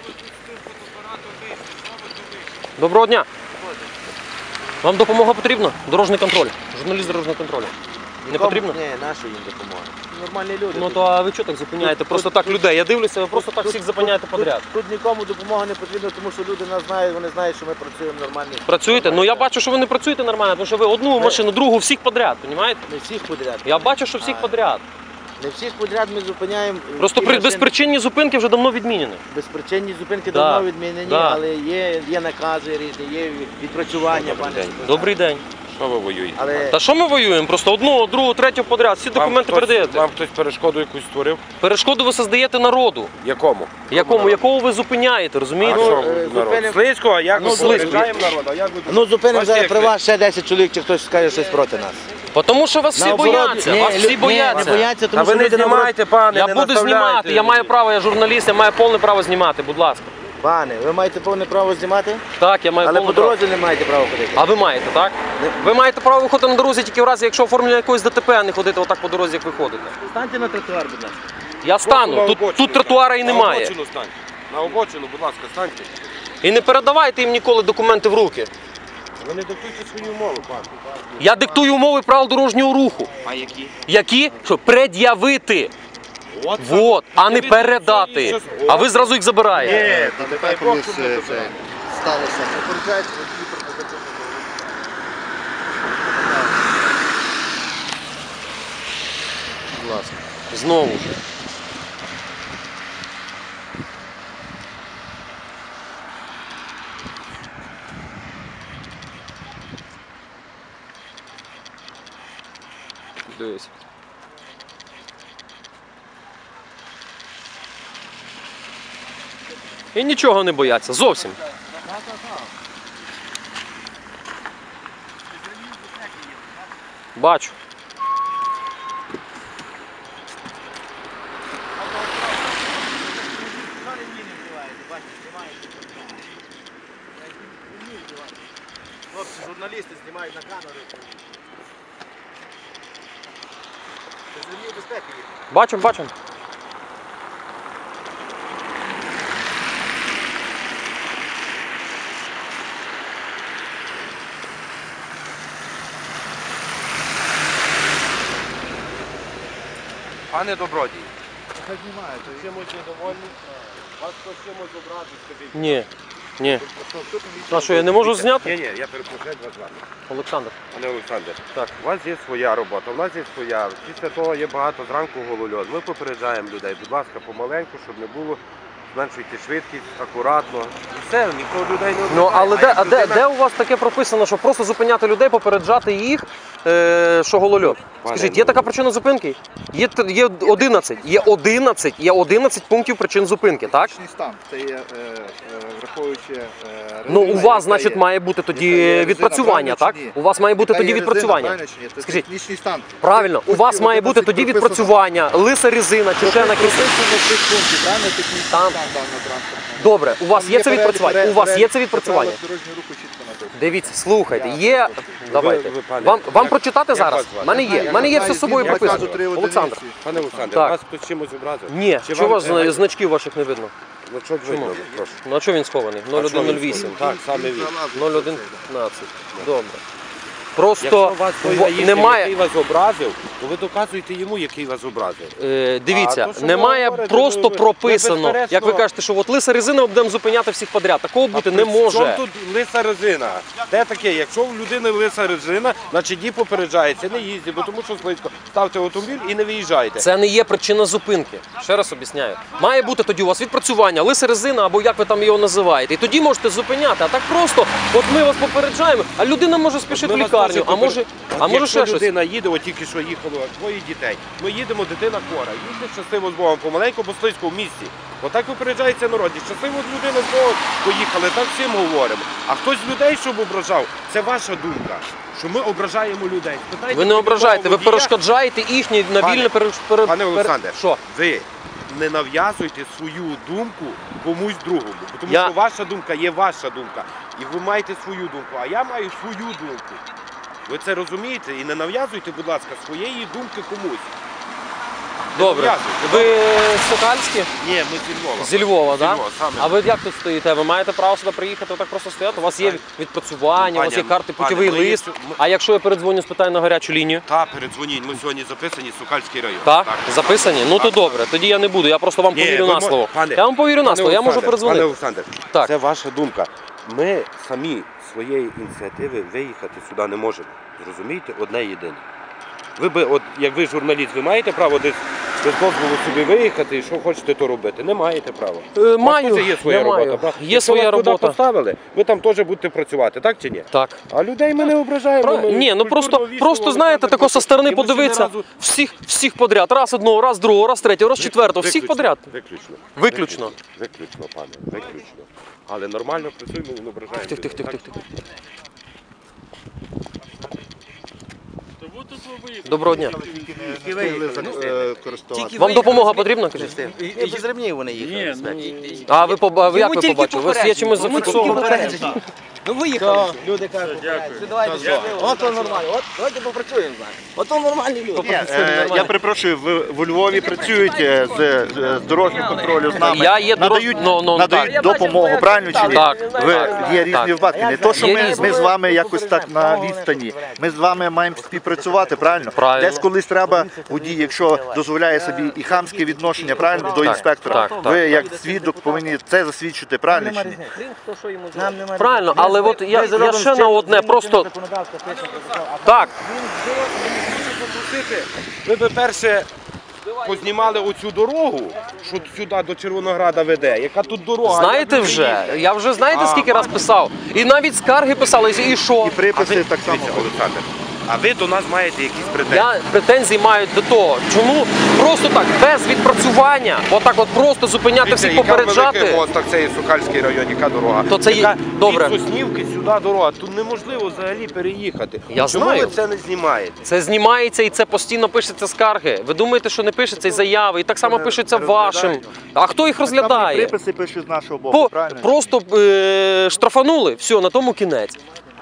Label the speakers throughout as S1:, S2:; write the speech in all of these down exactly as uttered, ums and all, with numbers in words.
S1: Доброго дня. Вам допомога потрібна? Дорожній контроль. Журналіст дорожнього контролю. Не потрібно?
S2: Ні, наша їм допомога. Нормальні люди.
S1: Ну то а ви чого так зупиняєте? Просто так людей. Я дивлюся, ви просто так всіх зупиняєте подряд.
S2: Тут нікому допомога не потрібна, тому що люди нас знають, вони знають, що ми працюємо нормально.
S1: Працюєте? Ну я бачу, що ви не працюєте нормально, тому що ви одну машину, другу, всіх подряд, розумієте?
S2: Не всіх подряд.
S1: Я бачу, що всіх подряд.
S2: Не всіх подряд ми зупиняємо.
S1: Просто при безпричинні зупинки вже давно відмінені.
S2: Безпричинні зупинки
S1: Да.
S2: давно відмінені,
S1: Да.
S2: але є, є накази різні, є відпрацювання. Пане.
S1: Добрий день.
S3: Що ви воюєте?
S2: Але
S1: Та що ми воюємо? Просто одну, другу, третю подряд. Всі документи
S3: Вам хтось-
S1: передаєте.
S3: Вам хтось перешкоду якусь створив?
S1: Перешкоду ви создаєте народу.
S3: Якому?
S1: Якому, якого ви зупиняєте,
S3: А
S1: розумієте?
S3: що
S2: е,
S3: ви, народ?
S2: зупинимо-
S3: Слизького, а як
S2: Ну,
S3: ми
S1: Слизького.
S3: попереджаємо народ? А як ви
S2: ну зупинимо
S3: Бачите,
S2: зараз
S3: як
S2: при
S3: ви?
S2: вас ще десять чоловік, чи хтось скаже щось проти нас.
S1: Тому що вас всі
S2: Наоборот,
S1: бояться,
S2: ні,
S1: вас
S2: лю-
S1: всі
S2: ні,
S1: бояться.
S2: не бояться,
S3: А
S2: тому
S3: ви
S2: що
S3: не
S2: люди наоборот-
S3: знімайте, пане,
S1: Я
S3: не
S1: буду
S3: наставляйте.
S1: знімати, я маю право, я журналіст, я маю повне право знімати, будь ласка.
S2: Пане, ви маєте повне право знімати,
S1: Так, я маю
S2: але
S1: повне
S2: по
S1: право.
S2: дорозі не маєте права ходити.
S1: А ви маєте, так? Ви маєте право виходити на дорозі тільки в разі, якщо оформлення якогось ДТП, а не ходити отак по дорозі, як ви ходите.
S2: Станьте на тротуар, будь ласка.
S1: Я стану,
S3: На
S1: тут,
S3: обочину.
S1: тут тротуара і
S3: На
S1: немає.
S3: обочину станьте. На обочину, будь ласка, станьте.
S1: І не передавайте їм ніколи документи в руки.
S3: Ви не диктуйте свої умови, пане.
S1: Я диктую умови правил дорожнього руху.
S3: А які?
S1: Які? Що пред'явити.
S3: От,
S1: Вот, а не
S3: ви
S1: передати.
S3: щось-
S1: А ви зразу їх забираєте.
S3: Ні,
S4: Та
S3: дай
S4: тепер
S3: Бог,
S4: колись
S3: щоб
S4: це,
S3: не
S4: це
S3: забирали.
S4: сталося. Попереджають водії про позитивну
S1: Будь ласка. Знову ж. Дивись. І нічого не бояться, зовсім. Бачу.
S2: Хлопці, журналісти знімають на камеру. Це з ремнів безпеки їх.
S1: Бачимо, бачимо.
S3: Пане добродій,
S4: Хай знімають.
S3: чимось недовольні? Вас хтось чимось образив, скажіть.
S1: Ні. Ні. А що, я не можу зняти?
S3: Ні, ні, я перепрошую, як вас звати.
S1: Олександр.
S3: Пане Олександр,
S1: Так.
S3: у вас є своя робота, у нас є своя. Після того є багато зранку голольот. Ми попереджаємо людей, будь ласка, помаленьку, щоб не було. Зменшуйте швидкість, акуратно. І все, нікого людей не
S1: Ну, але де,
S3: як
S1: а де,
S3: людина-
S1: де у вас таке прописано, що просто зупиняти людей, попереджати їх, е, що голольот? Скажіть, є така причина зупинки? Є, т- є одинадцять, є одинадцять, є одинадцять пунктів причин зупинки, так?
S4: Технічний стан. Це є, е, е, враховуючи е,
S1: Ну, у
S4: резина,
S1: вас,
S4: яка
S1: значить,
S4: є.
S1: має бути тоді
S4: Яка є резина,
S1: відпрацювання, так?
S4: правильно чи ні?
S1: У вас має бути
S4: Яка
S1: тоді
S4: є резина,
S1: відпрацювання.
S4: правильно чи ні? Це
S1: Скажіть.
S4: технічний стан.
S1: Правильно, у вас має бути тоді
S4: прописано.
S1: відпрацювання, лиса резина чи ще на якісь.
S4: Прописано цих пунктів, правильно? Технічний
S1: Там.
S4: стан даного транспорту.
S1: Добре, у вас
S4: Там
S1: є це
S4: перелік-
S1: відпрацювання? У вас є це
S4: перелік
S1: відпрацювання?
S4: правил дорожнього руху чітко написано.
S1: Дивіться, слухайте,
S4: Я-
S1: є. Давайте.
S3: ви, пане,
S1: Вам, вам
S3: як-
S1: прочитати
S3: як
S1: зараз?
S3: вас звати?
S1: У мене є. У мене є все з собою
S4: Я
S1: прописано.
S4: кажу, три одиниці.
S1: Олександр.
S3: Пане Олександр,
S1: Так.
S3: вас хтось чимось образив?
S1: Ні,
S3: Чи
S1: чого у
S3: вам-
S1: вас зна- значків ваших не видно?
S3: Ну, що видно, прошу.
S1: Ну а чого він схований?
S3: А
S1: нуль
S3: що
S1: один нуль
S3: він
S1: вісім.
S3: Так, саме він.
S1: нуль один п'ятнадцять. Добре. Просто
S3: Якщо вас той
S1: в-
S3: наїзд, який
S1: немає.
S3: вас образив, то ви доказуєте йому, який вас образив.
S1: Е,
S3: А
S1: дивіться,
S3: то, що ви
S1: немає
S3: говорите,
S1: просто
S3: ви- ви
S1: прописано,
S3: безперечно-
S1: як ви кажете, що от лиса резина будемо зупиняти всіх подряд. Такого бути не
S3: А при чому
S1: може.
S3: тут лиса резина? Де таке? Якщо в людини лиса резина, значить її попереджається, не їздіть, бо тому що слизько. Ставте автомобіль і не виїжджайте.
S1: Це не є причина зупинки. Ще раз об'ясняю. Має бути тоді у вас відпрацювання, лиса резина або як ви там його називаєте. І тоді можете зупиняти. А так просто, от ми вас попереджаємо, а людина може спішити в
S3: Ми вас
S1: лікарню,
S3: дуже
S1: а може,
S3: попер-
S1: а
S3: От
S1: може
S3: якщо
S1: ще щось.
S3: людина їде, от тільки що їхало двоє дітей. Ми їдемо, дитина хвора. Їдьте щасливо з Богом, помаленьку, бо слизько в місті. Отак випереджається народ. І щасливо з людини з Богом поїхали, так всім говоримо. А хтось людей, щоб ображав, це ваша думка, що ми ображаємо людей. Спитайте
S1: Ви не ображаєте, ви
S3: водія.
S1: перешкоджаєте їхнє на
S3: Пане-
S1: вільне пере... пере-
S3: Пане
S1: пере-
S3: Олександре,
S1: Що?
S3: ви не нав'язуйте свою думку комусь другому. Тому
S1: Я-
S3: що ваша думка є ваша думка. І ви маєте свою думку, а я маю свою думку. Ви це розумієте? І не нав'язуйте, будь ласка, своєї думки комусь.
S1: Добре.
S3: зобов'язують.
S1: Ви з Сокальські?
S3: Ні, ми зі Львова.
S1: Зі Львова,
S3: Зі
S1: так?
S3: Львова, саме.
S1: А ви як тут стоїте? Ви маєте право сюди приїхати, отак просто стояти? У вас є відпрацювання, у вас є
S3: Пані,
S1: карти,
S3: пані,
S1: путєвий
S3: ми є
S1: лист.
S3: сю- ми-
S1: А якщо я передзвоню, спитаю на гарячу лінію?
S3: Та, передзвоніть, ми сьогодні записані Сокальський район.
S1: Так? Записані? Ну то
S3: Так.
S1: добре, тоді я не буду, я просто вам
S3: Ні,
S1: повірю
S3: ви
S1: на
S3: мо-
S1: слово.
S3: пане-
S1: Я вам повірю на
S3: Пане
S1: слово, я можу
S3: Олександр,
S1: передзвонити.
S3: Пане Олександр,
S1: Так.
S3: це ваша думка. Ми самі своєї ініціативи виїхати сюди не можемо. Зрозумієте? Одне єдине. Ви би, от як ви журналіст, ви маєте право десь без дозволу собі виїхати і що хочете, то робити? Не маєте права.
S1: Е,
S3: У вас
S1: маю,
S3: теж є своя
S1: я
S3: робота.
S1: маю.
S3: правда?
S1: Є
S3: Якщо
S1: своя
S3: вас туди
S1: робота.
S3: поставили, ви там теж будете працювати, так чи ні?
S1: Так.
S3: А людей ми не ображаємо.
S1: Правильно.
S3: ми
S1: Ні, ну просто,
S3: культурно, вічливо,
S1: просто знаєте,
S3: Олександр
S1: тако со
S3: Петрович.
S1: сторони
S3: І ми ще ні
S1: подивитися,
S3: разу-
S1: всіх, всіх подряд, раз одного, раз другого, раз третього, раз четвертого, всіх
S3: Виключно,
S1: подряд.
S3: Виключно.
S1: Виключно.
S3: Виключно, пане, виключно. Але нормально працюємо і не ображаємо.
S1: Тих, тих, тих,
S3: людей,
S1: тих,
S3: так?
S1: тих. Доброго дня.
S4: користуватися.
S1: Вам допомога потрібна? Кажіть?
S2: І без ремнів вони їхали.
S1: А ви поба- ви як ви
S5: тільки
S1: побачили? Ви є
S5: попередження.
S1: чимось
S5: Йому тільки
S1: зафіксовані?
S5: попередження. Ну виїхали.
S2: Люди кажуть, що давайте щасливо. От то нормально. От давайте попрацюємо. От то нормальні люди.
S4: Ні, е, я перепрошую, ви в Львові працюєте з, з дорожнім контролем з нами.
S1: Я є дорож-
S4: надають,
S1: ну, ну,
S4: надають
S1: так.
S4: допомогу, правильно чи ні?
S1: Так,
S4: Ви,
S1: так,
S4: є різні
S1: так.
S4: випадки. Не то, що
S1: Є
S4: ми,
S1: різні.
S4: ми з вами якось так на відстані. Ми з вами маємо співпрацювати, правильно?
S1: Правильно.
S4: Десь колись треба водій, якщо дозволяє собі і хамське відношення, правильно, до інспектора.
S1: так,
S4: Ви як свідок повинні це засвідчити, правильно чи ні?
S2: Нам немає.
S1: Правильно, але от я, я ще на одне просто так.
S3: Ви би перше познімали оцю дорогу, що сюди до Червонограда веде. Яка тут дорога?
S1: Знаєте
S3: Як ви
S1: вже,
S3: приїдете?
S1: я вже знаєте
S3: А,
S1: скільки раз писав? І навіть скарги писали, і що?
S4: І приписи так само.
S3: Дивіться, Олександр, а ви до нас маєте якісь претензії?
S1: Я претензії маю до того, чому просто так, без відпрацювання, отак от просто зупиняти
S3: Дивіться,
S1: всіх,
S3: яка великий
S1: попереджати.
S3: мост, так це є Сокальський район, яка дорога?
S1: То це є-
S3: яка
S1: добре.
S3: Від Соснівки сюди дорога, тут неможливо взагалі переїхати.
S1: Я
S3: Чому
S1: знаю.
S3: ви це не знімаєте?
S1: Це знімається і це постійно пишеться скарги. Ви думаєте, що не пишеться і заяви, і так само пишеться вашим. А хто їх
S4: Там
S1: розглядає?
S4: приписи пишуть з нашого боку,
S1: По,
S4: правильно?
S1: просто е, штрафанули, все, на тому кінець.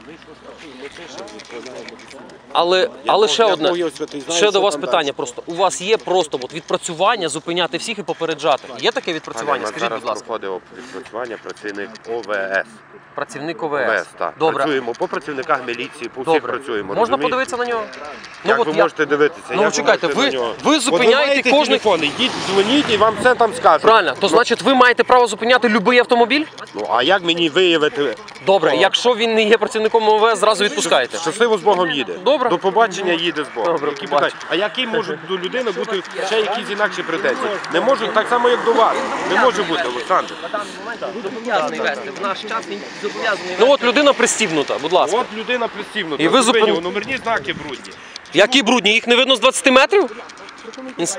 S1: Але, але ще
S3: Я
S1: одне,
S3: Бог його святий знає,
S1: ще
S3: що
S1: до вас
S3: там
S1: питання
S3: далі.
S1: просто. У вас є просто от відпрацювання, зупиняти всіх і попереджати. Є таке
S3: Пане,
S1: відпрацювання?
S3: у нас
S1: Скажіть,
S3: зараз
S1: будь ласка.
S3: проходив відпрацювання працівник О В С.
S1: Працівник
S3: О В
S1: ОВС.
S3: С, так.
S1: Добре.
S3: Працюємо по працівниках міліції, по всіх
S1: Добре.
S3: працюємо.
S1: Можна
S3: розумієте?
S1: подивитися на нього?
S3: Як
S1: от
S3: ви
S1: я-
S3: можете дивитися?
S1: Ну,
S3: Як
S1: чекайте,
S3: можете
S1: ви-
S3: на нього?
S1: ви
S3: От
S1: зупиняєте
S3: маєте
S1: кожний-
S3: телефон, йдіть, дзвоніть і вам все там скажуть.
S1: Правильно, то значить ви маєте право зупиняти будь-який автомобіль?
S3: Ну, а як мені виявити?
S1: Добре, якщо він не є працівником ОВС, зразу відпускаєте.
S3: Щасливо з Богом їде.
S1: Добре.
S3: До побачення їде з Богом.
S1: Добре,
S3: Які
S1: побачення.
S3: питання? А які можуть до людини бути ще якісь інакші претензії? Не можуть так само, як до вас. Не може бути, Олександр.
S5: Зобов'язаний вести. В наш час він зобов'язаний
S1: Ну от
S5: вести.
S1: людина пристібнута, будь ласка.
S3: От людина пристібнута.
S1: І ви
S3: Зупинив,
S1: зупин-
S3: номерні знаки брудні.
S1: Які брудні? Їх не видно з двадцяти метрів? Інс-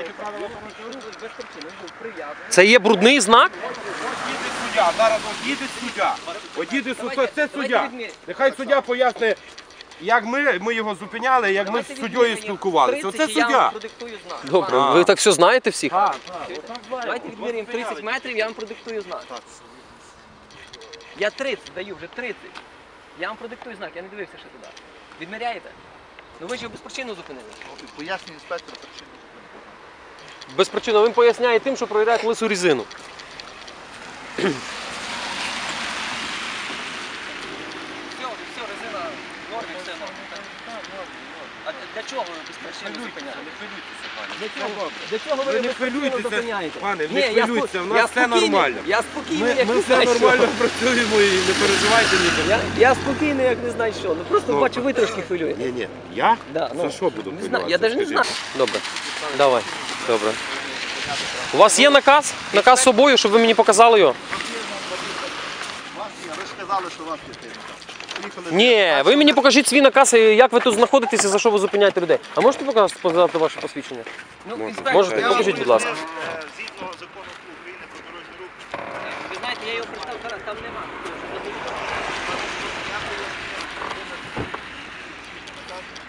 S1: Це є брудний знак?
S3: Їде суддя, зараз от їде суддя. От їде суддя, це суддя. Нехай суддя поясни, як ми, ми його зупиняли, як ми з суддєю спілкувалися. Оце
S5: тридцять, і я вам
S3: суддя.
S5: продиктую знак.
S1: Добре,
S3: А.
S1: ви так все знаєте всіх?
S5: Давайте відміряємо тридцять метрів, я вам продиктую знак. Я тридцять даю, вже тридцять. Я вам продиктую знак, я не дивився ще туди. Відміряєте? Ну ви ж його без причини зупинили.
S4: Пояснює інспектор причину.
S1: Без причини. Він поясняє тим, що проїдають лису різину.
S5: Все, все, резина в нормі, все нормально. А для чого ви без причини зупиняєте? Для чого? Для чого ви
S3: Ви не
S5: без причини
S3: хвилюйтеся,
S5: зупиняєте?
S3: пане,
S5: Ні,
S3: не
S5: я
S3: хвилюйтеся,
S5: спо-
S3: в нас
S5: я
S3: все
S5: спокійний,
S3: нормально.
S5: Я спокійний,
S3: Ми,
S5: як
S3: ми
S5: не
S3: все
S5: знаю,
S3: нормально
S5: що.
S3: працюємо і не переживайте ні.
S5: Я, я спокійний, як не знаю що. Ну просто
S3: Ну,
S5: бачу, ви трошки хвилюєте.
S3: Ні, ні. Я?
S5: Да, ну,
S3: За що буду
S5: Не знаю,
S3: хвилюватися,
S5: я навіть не
S3: скажіть?
S5: знаю.
S1: Добре. Давай. Добре. У вас є наказ? Наказ з собою, щоб ви мені показали його?
S4: Ви ж сказали, що вас підтримують.
S1: Ні, ви мені покажіть свій наказ, і як ви тут знаходитеся, за що ви зупиняєте людей. А можете показати, показати ваше посвідчення?
S5: Ну, інспектор,
S1: Можете?
S5: я-
S1: Покажіть, будь ласка.
S4: Згідно закону України про дорожній рух.
S5: Ви знаєте, я його представив, зараз там нема.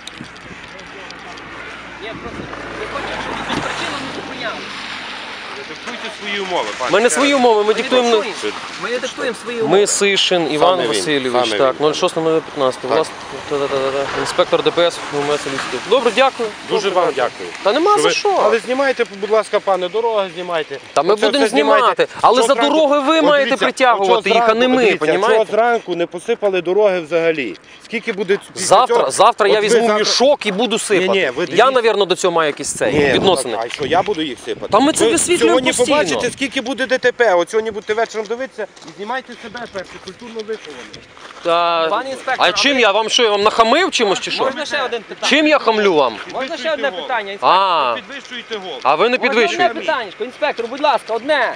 S5: Ні, просто ви хочете, щоб без причини не зупиняли.
S3: Диктуйте свої умови, пане.
S1: Ми не свої умови, ми
S5: Ми
S1: диктуємо.
S5: диктуємо. Ми не диктуємо свої умови.
S1: Ми Сишин Іван
S3: Саме він,
S1: Васильович,
S3: саме
S1: так,
S3: він.
S1: ноль шість п'ятнадцять, власне, та-та-та-та. Інспектор ДПС УМС Львівський. Добре, дякую.
S3: Дуже
S1: Добре,
S3: вам
S1: дякую.
S3: дякую.
S1: Та нема
S3: Що
S1: за
S3: ви-
S1: що.
S3: Але знімайте, будь ласка, пане, дороги знімайте.
S1: Та ми
S3: Оце
S1: будемо
S3: все знімайте.
S1: знімати, але
S3: Чого
S1: за
S3: зранку-
S1: дороги ви
S3: От
S1: маєте
S3: дивіться,
S1: притягувати
S3: от чого
S1: їх, а не
S3: зранку-
S1: ми,
S3: дивіться,
S1: понімаєте?
S3: чого зранку не посипали дороги взагалі? Скільки буде після
S1: Завтра,
S3: цього?
S1: завтра я
S3: От ви
S1: візьму
S3: завтра-
S1: мішок і буду сипати.
S3: Ні-ні, ви
S1: я,
S3: дивіться.
S1: напевно, до цього маю якісь цей,
S3: Ні, ну
S1: відносини.
S3: так, а що, я буду їх сипати?
S1: Та ми це
S3: Ви
S1: висвітлюємо
S3: Сьогодні
S1: постійно.
S3: побачите, скільки буде ДТП. От сьогодні будете вечором дивитися і знімайте себе перше, культурно виховані.
S1: Та...
S5: Пане інспектор,
S1: А чим я вам що, я вам нахамив чимось чи що?
S5: Можна ще один питання?
S1: Чим я хамлю вам?
S5: Можна ще одне питання, інспектор?
S1: А,
S3: Підвищуєте голос.
S1: а ви не
S5: Можна
S1: підвищуєте.
S5: одне питання, інспектор, будь ласка, одне.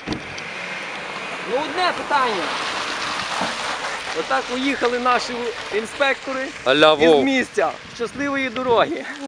S5: Ну одне питання. Отак уїхали наші інспектори
S1: Аля,
S5: із
S1: Вов.
S5: місця. Щасливої дороги.